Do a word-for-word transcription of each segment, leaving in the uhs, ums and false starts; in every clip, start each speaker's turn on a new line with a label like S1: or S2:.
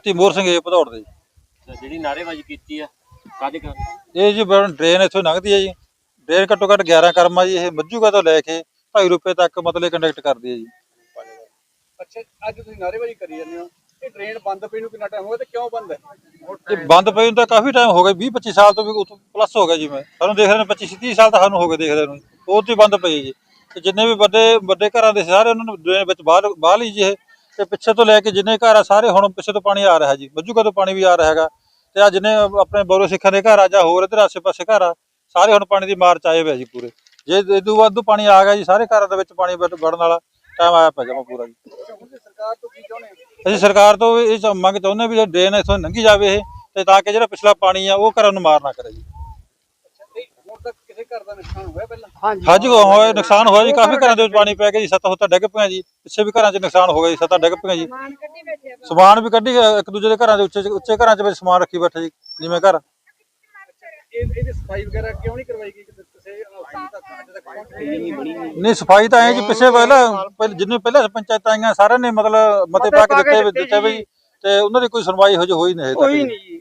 S1: ਤੈਮੂਰ ਸਿੰਘ ਜੀ ਭਦੌੜ ਦੇ।
S2: ਜਿਹੜੀ ਨਾਅਰੇਬਾਜ਼ੀ ਕੀਤੀ ਆ ਕਾਹਦੇ ਕਾਰਨ?
S1: ਇਹ ਜੀ ਡਰੇਨ ਇੱਥੋਂ ਲੰਘਦੀ ਹੈ ਜੀ। ਡਰੇਨ ਘੱਟੋ ਘੱਟ ਗਿਆਰਾਂ ਕਰਮਾਂ ਜੀ। ਇਹ ਮੱਝੂਗਾ ਤੋਂ ਲੈ ਕੇ ਢਾਈ ਰੁਪਏ ਤੱਕ ਮਤਲਬ ਕੰਡਕਟ ਕਰਦੀ ਹੈ ਜੀ।
S3: ਅੱਛਾ, ਅੱਜ ਤੁਸੀਂ ਨਾਅਰੇਬਾਜ਼ੀ ਕਰੀ ਜਾਂਦੇ ਹੋ, ਇਹ ਡਰੇਨ ਬੰਦ ਪਈ ਨੂੰ ਕਿੰਨਾ ਟਾਈਮ ਹੋ ਗਿਆ ਤੇ ਕਿਉਂ ਬੰਦ ਹੈ?
S1: ਇਹ ਬੰਦ ਪਈ ਨੂੰ ਤਾਂ ਕਾਫੀ ਟਾਈਮ ਹੋ ਗਿਆ, ਵੀਹ ਪੱਚੀ ਸਾਲ ਤੋਂ ਵੀ ਪਲੱਸ ਹੋ ਗਿਆ ਜੀ। ਮੈਂ ਸਾਨੂੰ ਦੇਖਦੇ ਨੂੰ ਪੱਚੀ ਤੀਹ ਸਾਲ ਤਾਂ ਸਾਨੂੰ ਹੋ ਗਏ ਦੇਖਦੇ ਨੂੰ। ਉਹ ਤੋਂ ਹੀ ਬੰਦ ਪਈ ਜੀ। ਤੇ ਜਿੰਨੇ ਵੀ ਵੱਡੇ ਵੱਡੇ ਘਰਾਂ ਦੇ ਸਾਰੇ ਉਹਨਾਂ ਨੂੰ ਡਰੇਨ ਵਿੱਚ ਬਾਹਰ ਬਾਹਰ ਲਈ ਜੀ ਇਹ। ਤੇ ਪਿੱਛੇ ਤੋਂ ਲੈ ਕੇ ਜਿੰਨੇ ਘਰ ਆ ਸਾਰੇ ਹੁਣ ਪਿੱਛੇ ਤੋਂ ਪਾਣੀ ਆ ਰਿਹਾ ਜੀ। ਮੱਝੂਗਾ ਤੋਂ ਪਾਣੀ ਵੀ ਆ ਰਿਹਾ ਹੈਗਾ। ਤੇ ਆ ਜਿੰਨੇ ਆਪਣੇ ਬੋਰੋ ਸਿੱਖਾਂ ਦੇ ਘਰ ਆ ਜਾਂ ਹੋਰ ਇੱਧਰ ਆਸੇ ਪਾਸੇ ਘਰ ਆ ਸਾਰੇ ਹੁਣ ਪਾਣੀ ਦੀ ਮਾਰ ਚ ਆਏ ਹੋਏ ਜੀ ਪੂਰੇ। ਜੇ ਇਦੋਂ ਵੱਧ ਪਾਣੀ ਆ ਗਿਆ ਜੀ ਸਾਰੇ ਘਰਾਂ ਦੇ ਵਿੱਚ ਪਾਣੀ ਵੜਨ ਵਾਲਾ ਟਾਈਮ ਆਇਆ ਪਿਆ ਜਮਾ ਪੂਰਾ ਜੀ।
S3: ਸਰਕਾਰ ਤੋਂ ਕੀ ਚਾਹੁੰਦੇ ਹੋ?
S1: ਅਸੀਂ ਸਰਕਾਰ ਤੋਂ ਇਹ ਮੰਗ ਚਾਹੁੰਦੇ ਹਾਂ ਵੀ ਡਰੇਨ ਇੱਥੋਂ ਲੰਘੀ ਜਾਵੇ ਇਹ, ਤੇ ਤਾਂ ਕਿ ਜਿਹੜਾ ਪਿਛਲਾ ਪਾਣੀ ਆ ਉਹ ਘਰਾਂ ਨੂੰ ਮਾਰ ਨਾ ਕਰੇ ਜੀ।
S3: ਹੁਣ ਤੱਕ ਕਿਸੇ ਘਰ ਦਾ ਨੁਕਸਾਨ ਹੋਇਆ ਪਹਿਲਾਂ?
S1: ਹਾਂਜੀ ਹੋਇਆ, ਨੁਕਸਾਨ ਹੋਇਆ ਜੀ। ਕਾਫੀ ਘਰਾਂ ਦੇ ਵਿੱਚ ਪਾਣੀ ਪੈ ਗਿਆ ਜੀ। ਸੱਤਾਂ ਸੁੱਤਾਂ ਡਿੱਗ ਪਈਆਂ ਜੀ। ਪਿੱਛੇ ਵੀ ਘਰਾਂ 'ਚ ਨੁਕਸਾਨ ਹੋ ਗਿਆ ਜੀ। ਸੱਤਾਂ ਡਿੱਗ ਪਈਆਂ ਜੀ। ਸਮਾਨ ਵੀ ਕੱਢੀ ਇੱਕ ਦੂਜੇ ਦੇ ਘਰਾਂ ਦੇ ਉੱਚੇ ਉੱਚੇ ਘਰਾਂ 'ਚ ਵਿੱਚ ਸਮਾਨ ਰੱਖੀ ਬੈਠੇ ਜੀ ਜਿਵੇਂ ਘਰ।
S3: ਇਹਦੀ ਸਫਾਈ ਵਗੈਰਾ ਕਿਉਂ ਨਹੀਂ ਕਰਵਾਈ ਗਈ ਕਿਸੇ ਅੱਜ ਤੱਕ ਪਹੁੰਚ ਗਈ?
S1: ਨਹੀਂ ਸਫਾਈ ਤਾਂ ਐ ਜੀ ਪਿੱਛੇ ਪਹਿਲਾਂ ਜਿੰਨੇ ਪਹਿਲਾਂ ਪੰਚਾਇਤਾਂ ਆਈਆਂ ਸਾਰਿਆਂ ਨੇ ਮਤਲਬ ਮਤੇ ਪਾ ਕੇ ਦਿੱਤੇ ਦਿੱਤੇ ਵੀ ਤੇ ਉਹਨਾਂ ਦੀ ਕੋਈ ਸੁਣਵਾਈ ਹੋ ਹੋਈ ਨਹੀਂ
S3: ਹੋਈ ਨਹੀਂ ਜੀ।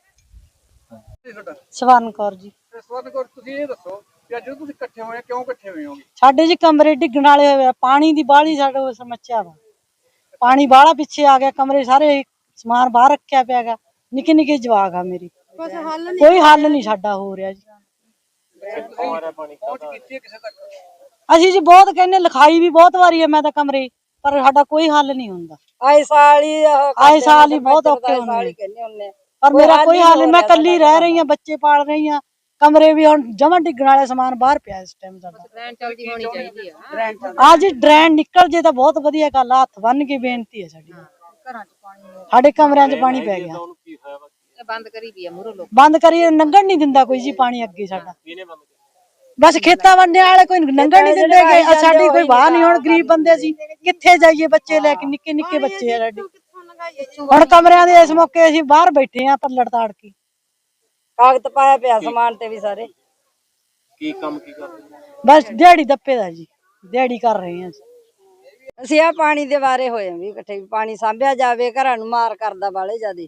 S4: ਸਵਰਨ ਕੌਰ ਜੀ।
S3: ਸਵਰਨ ਕੌਰ, ਤੁਸੀਂ ਇਹ ਦੱਸੋ ਕਿ ਅੱਜ ਤੁਸੀਂ ਇਕੱਠੇ ਹੋਏ ਕਿਉਂ ਇਕੱਠੇ ਹੋਏ ਹੋਗੇ?
S4: ਸਾਡੇ ਜੀ ਕਮਰੇ ਡਿੱਗਣ ਵਾਲੇ ਹੋਏ ਆ, ਪਾਣੀ ਦੀ ਬਾਹਲੀ ਸਾਡੇ ਸਮੱਸਿਆ ਵਾ। ਪਾਣੀ ਬਾਹਲਾ ਪਿੱਛੇ ਆ ਗਿਆ, ਕਮਰੇ ਸਾਰੇ ਸਮਾਨ ਬਾਹਰ ਰੱਖਿਆ ਪਿਆ ਗਾ। ਨਿੱਕੇ ਨਿੱਕੇ ਜਵਾਕ ਆ ਮੇਰੀ, ਕੋਈ ਹੱਲ ਨਹੀਂ ਸਾਡਾ ਹੋ ਰਿਹਾ ਜੀ।
S3: ਪਹੁੰਚ ਕੀਤੀ ਕਿਸੇ ਤੱਕ?
S4: ਅਸੀਂ ਜੀ ਬਹੁਤ ਕਹਿੰਦੇ, ਲਿਖਾਈ ਵੀ ਬਹੁਤ ਵਾਰੀ ਹੈ ਮੈਂ ਤਾਂ ਕਮਰੇ, ਪਰ ਸਾਡਾ ਕੋਈ ਹੱਲ ਨਹੀਂ ਹੁੰਦਾ।
S5: ਆਏ ਸਾਲ ਹੀ
S4: ਆਏ ਸਾਲ ਹੀ ਬਹੁਤ ਔਖੇ ਹੁੰਦੇ, ਪਰ ਮੇਰਾ ਕੋਈ ਹੱਲ ਨਹੀਂ। ਮੈਂ ਕੱਲੀ ਰਹਿ ਰਹੀ ਹਾਂ, ਬੱਚੇ ਪਾਲ ਰਹੀ ਹਾਂ। ਕਮਰੇ ਵੀ ਹੁਣ ਜਮਾਂ ਡਿੱਗਣ ਵਾਲੇ ਸਮਾਨ ਬਾਹਰ ਪਿਆ ਇਸ ਟਾਈਮ ਸਾਡਾ।
S5: ਡਰੇਨ ਚਲਦੀ ਹੋਣੀ ਚਾਹੀਦੀ ਆ।
S4: ਆ ਜੀ ਡਰੇਨ ਨਿਕਲ ਜੇ ਤਾਂ ਬਹੁਤ ਵਧੀਆ ਗੱਲ ਆ। ਹੱਥ ਬੰਨ ਕੇ ਬੇਨਤੀ ਹੈ ਸਾਡੀ।
S5: ਘਰਾਂ ਚ ਪਾਣੀ,
S4: ਸਾਡੇ ਕਮਰਿਆਂ 'ਚ ਪਾਣੀ ਪੈ ਗਿਆ।
S5: ਬੰਦ ਕਰੀ ਵੀ ਆ ਮੂਹਰੋਂ ਲੋਕ।
S4: ਬੰਦ ਕਰੀ, ਲੰਘਣ ਨਹੀਂ ਦਿੰਦਾ ਕੋਈ ਜੀ ਪਾਣੀ ਅੱਗੇ ਸਾਡਾ।
S2: ਕਿਹਨੇ ਬੰਦ ਕੀਤਾ?
S4: ਬਸ ਖੇਤਾਂ ਵੰਡਿਆਂ ਵਾਲੇ ਕੋਈ ਲੰਘਣ ਨਹੀਂ ਦਿੰਦੇ ਗੇ। ਸਾਡੀ ਕੋਈ ਬਾਹਰ ਨਹੀਂ, ਹੁਣ ਗਰੀਬ ਬੰਦੇ ਸੀ ਕਿੱਥੇ ਜਾਈਏ, ਬੱਚੇ ਲੈ ਕੇ, ਨਿੱਕੇ ਨਿੱਕੇ ਬੱਚੇ ਆ ਸਾਡੇ। ਹੁਣ ਕਮਰਿਆਂ ਦੇ ਇਸ ਮੌਕੇ ਅਸੀਂ ਬਾਹਰ ਬੈਠੇ ਆ ਪੱਲੜ ਤਾੜ ਕੇ।
S5: ਕਾਗਜ਼ ਪਾਇਆ ਪਿਆ ਸਮਾਨ ਤੇ ਵੀ ਸਾਰੇ।
S2: ਕੀ ਕੰਮ ਕੀ ਕਰਦੇ?
S4: ਬਸ ਦਿਹਾੜੀ ਦੱਪੇ ਦਾ ਜੀ, ਦਿਹਾੜੀ ਕਰ ਰਹੇ ਆ
S5: ਅਸੀਂ ਆ ਪਾਣੀ ਦੇ ਬਾਰੇ ਹੋਏ ਵੀ ਇਕੱਠੇ, ਪਾਣੀ ਸਾਂਭਿਆ ਜਾਵੇ, ਘਰਾਂ ਨੂੰ ਮਾਰ ਕਰਦਾ ਬਾਲੇ ਜਿਆਦੇ।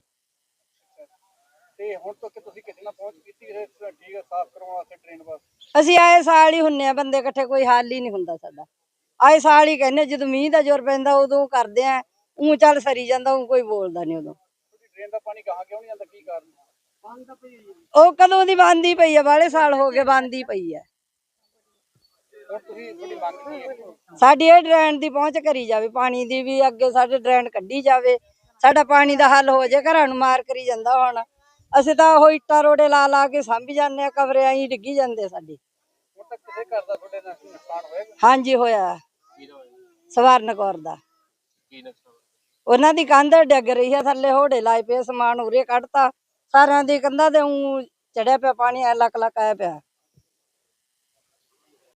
S3: ਤੇ ਹੁਣ ਤੱਕ ਤੁਸੀਂ ਕਿਸੇ ਨਾਲ ਪਹੁੰਚ ਕੀਤੀ ਠੀਕ ਹੈ ਸਾਫ਼ ਕਰਵਾਉਣ ਵਾਸਤੇ ਡਰੇਨ ਬਸ?
S5: ਅਸੀਂ ਆਏ ਸਾਲ ਹੀ ਹੁੰਨੇ ਆ ਬੰਦੇ ਇਕੱਠੇ, ਕੋਈ ਹੱਲ ਹੀ ਨਹੀਂ ਹੁੰਦਾ ਸਾਡਾ। ਆਏ ਸਾਲ ਹੀ ਕਹਿੰਦੇ ਜਦੋਂ ਮੀਂਹ ਦਾ ਜ਼ੋਰ ਪੈਂਦਾ ਉਦੋਂ ਕਰਦੇ ਆ। ਊਂ ਚੱਲ ਸਰੀ ਜਾਂਦਾ, ਊਂ ਕੋਈ ਬੋਲਦਾ ਨਹੀਂ ਉਦੋਂ।
S3: ਡਰੇਨ ਦਾ ਪਾਣੀ ਕਹਾਂ ਕਿਉਂ ਨਹੀਂ ਆਉਂਦਾ, ਕੀ ਕਾਰਨ?
S5: ਉਹ ਕਦੋਂ ਦੀ ਬੰਦ ਹੀ ਪਈ ਆ, ਬਾਲੇ ਸਾਲ ਹੋ ਗਏ ਬੰਦ ਹੀ ਪਈ ਆ।
S3: ਹੁਣ ਤੁਸੀਂ ਤੁਹਾਡੀ ਮੰਗ ਕੀ ਹੈ?
S5: ਸਾਡੀ ਇਹ ਡਰੇਨ ਦੀ ਪਹੁੰਚ ਕਰੀ ਜਾਵੇ, ਪਾਣੀ ਦੀ ਵੀ ਅੱਗੇ ਸਾਡੇ ਡਰੇਨ ਕੱਢੀ ਜਾਵੇ, ਸਾਡਾ ਪਾਣੀ ਦਾ ਹੱਲ ਹੋ ਜਾਏ। ਘਰਾਂ ਨੂੰ ਮਾਰ ਕਰੀ ਜਾਂਦਾ ਹੁਣ। ਅਸੀਂ ਤਾਂ ਉਹ ਇੱਟਾਂ ਰੋੜੇ ਲਾ ਲਾ ਕੇ ਸਾਂਭੀ ਜਾਂਦੇ ਆ, ਕਮਰੇ ਆਈ ਡਿੱਗੀ ਜਾਂਦੇ ਸਾਡੇ।
S3: ਹੁਣ ਤੱਕ ਕਿਸੇ ਘਰ ਦਾ ਤੁਹਾਡੇ ਨਾਲ ਨੁਕਸਾਨ ਹੋਇਆ?
S5: ਹਾਂਜੀ ਹੋਇਆ, ਸਵਰਨ ਕੌਰ ਦਾ।
S2: ਕੀ ਨੁਕਸਾਨ?
S5: ਉਹਨਾਂ ਦੀ ਕੰਧ ਡਿੱਗ ਰਹੀ ਆ ਥੱਲੇ, ਹੋੜੇ ਲਾਏ ਪਏ, ਸਮਾਨ ਉਰੇ ਕੱਢਤਾ ਸਾਰਿਆਂ ਦੀ ਕੰਧਾਂ ਤੇ ਊਂ ਚੜਿਆ ਪਿਆ ਪਾਣੀ, ਲੱਕ ਲੱਕ ਆਇਆ ਪਿਆ।